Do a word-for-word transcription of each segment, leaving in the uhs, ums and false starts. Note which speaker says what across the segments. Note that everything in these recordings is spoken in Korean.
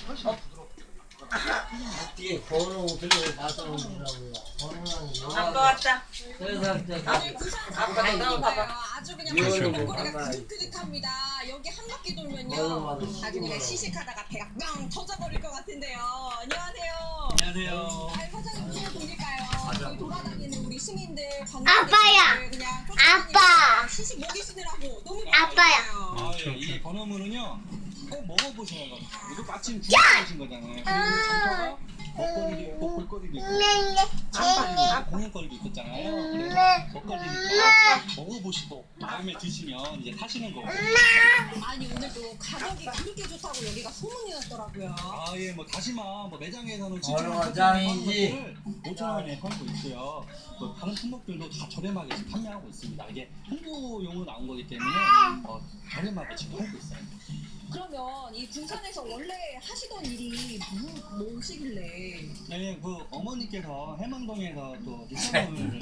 Speaker 1: 뒤에 번호 들고 받아오더라고요. 번호는
Speaker 2: 아빠 왔다.
Speaker 1: 그래서 이제
Speaker 2: 아빠 나와봐봐.
Speaker 3: 아주 그냥
Speaker 1: 이거는
Speaker 3: 목걸이가
Speaker 1: 뭐
Speaker 3: 그득그득합니다. 여기 한 바퀴 돌면요. 아주 그냥 시식하다가 배가 뻥 터져버릴 것 같은데요. 안녕하세요.
Speaker 4: 안녕하세요.
Speaker 3: 아, 사장님 무슨 분일까요? 저희 돌아다니는 우리 시민들,
Speaker 5: 아빠야.
Speaker 3: 관광객들 그냥
Speaker 5: 아빠.
Speaker 3: 시식 먹이시느라고 너무
Speaker 5: 아빠야.
Speaker 3: 바빠요.
Speaker 4: 아, 예, 이 번호물은요 꼭 먹어보셔야 돼요. 이거 마침 구매하신 거잖아요. 그리고 먹거리도 있고 볼거리도 있고 아빠 공연거리도 있었잖아요. 그래서 먹거리니까 먹어보시고 마음에 드시면 이제 사시는 거고.
Speaker 3: 아니 오늘 또 가격이 그렇게 좋다고 여기가 소문이 났더라고요.
Speaker 4: 아, 예, 뭐 다시마 뭐 매장에서는
Speaker 1: 얼마
Speaker 4: 칠천 원에
Speaker 1: 짱이지?
Speaker 4: 오천 원에 팔고 있어요. 또 다른 품목들도 다 저렴하게 지금 판매하고 있습니다. 이게 홍보용으로 나온 거기 때문에 어, 저렴하게 지금 팔고 있어요.
Speaker 3: 그러면 이 군산에서 원래 하시던 일이 뭐, 뭐시길래?
Speaker 4: 네, 그 어머니께서 해망동에서 또 해망동을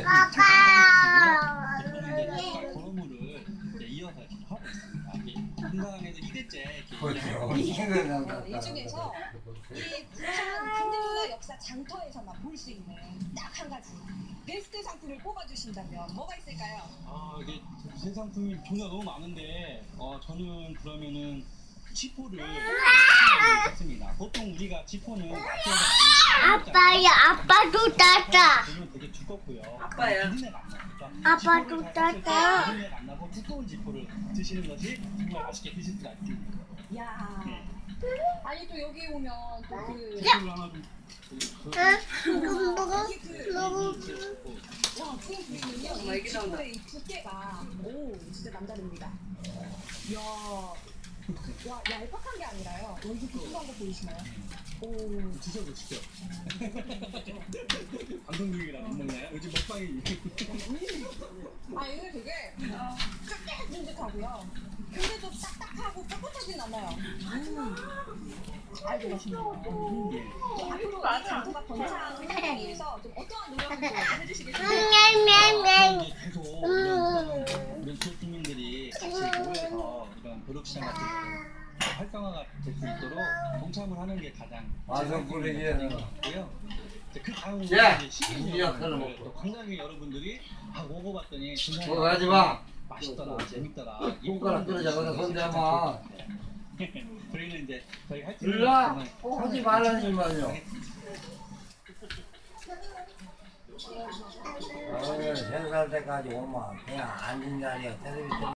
Speaker 5: 아빠.
Speaker 4: 저는 이제 닭발 도로물을 이제 이어서 계속 하고 있습니다. 한강에서 이 대째
Speaker 1: 그렇죠.
Speaker 3: 이 중에서 이 군산 근대문화 역사 장터에서만 볼 수 있는 딱 한 가지 베스트 상품을 뽑아주신다면 뭐가 있을까요?
Speaker 4: 아, 이게 새 상품이 종류가 너무 많은데 어 저는 그러면은 지포를 했습니다. 보통 우리가 지포는
Speaker 5: 아빠야, 아빠도 따다.
Speaker 4: 보면 되게 두껍고요.
Speaker 2: 아빠야.
Speaker 4: 비린내가 안 나니까
Speaker 5: 아빠도 따다.
Speaker 4: 비린내가 안 나고 두꺼운 지포를 드시는 것이 정말 맛있게 드실 수가 있습니다.
Speaker 3: 야,
Speaker 4: 네.
Speaker 3: 아니 또 여기 오면 또그
Speaker 4: 지포를 하나 좀
Speaker 5: 이거 먹어?
Speaker 3: 이게 그
Speaker 5: 먹어.
Speaker 3: 와, 그 보이면요
Speaker 2: 엄마,
Speaker 3: 이
Speaker 2: 애기 나온다.
Speaker 3: 지포의 이 두께가 오 진짜 남다릅니다. 이야, 와 얄팍한 게 아니라요. 여기 부풀한 거 보이시나요? 오.
Speaker 4: 드셔보시죠. 방송 중이라 안 먹나요? 요즘 먹방이
Speaker 3: 아 이거 되게 쫀득쫀득하고요. 근데도 딱딱하고 뻣뻣하진 않아요. 음. 아이고 맛있네요.
Speaker 4: 예.
Speaker 3: 또 앞으로 이 장터가 번창하기 위해서 좀 어떠한 노력을 좀 해주시겠어요?
Speaker 5: 냠냠냠.
Speaker 4: 이제 계속 이런 이런 지역 주민들이 같이 모여서 이런 벼룩시장 같은 거 활성화가 될 수 있도록 동참을 하는 게 가장
Speaker 1: 와서 뿌리기에는.
Speaker 4: 고요. 그 다음
Speaker 1: 야!
Speaker 4: 이제 시민
Speaker 1: 우리 역할을
Speaker 4: 여러분들,
Speaker 1: 먹고.
Speaker 4: 또 관광객 여러분들이 아 먹어봤더니
Speaker 1: 그거 하지 마.
Speaker 4: 맛있더라, 재밌더라.
Speaker 1: 손가락 떨어져서 손대마.
Speaker 4: 저희는 이제 저희 할 수
Speaker 1: 일로 와. 하지 말라니만요. 오늘 생살 때까지 오면 그냥 앉은 자리에 텔레비전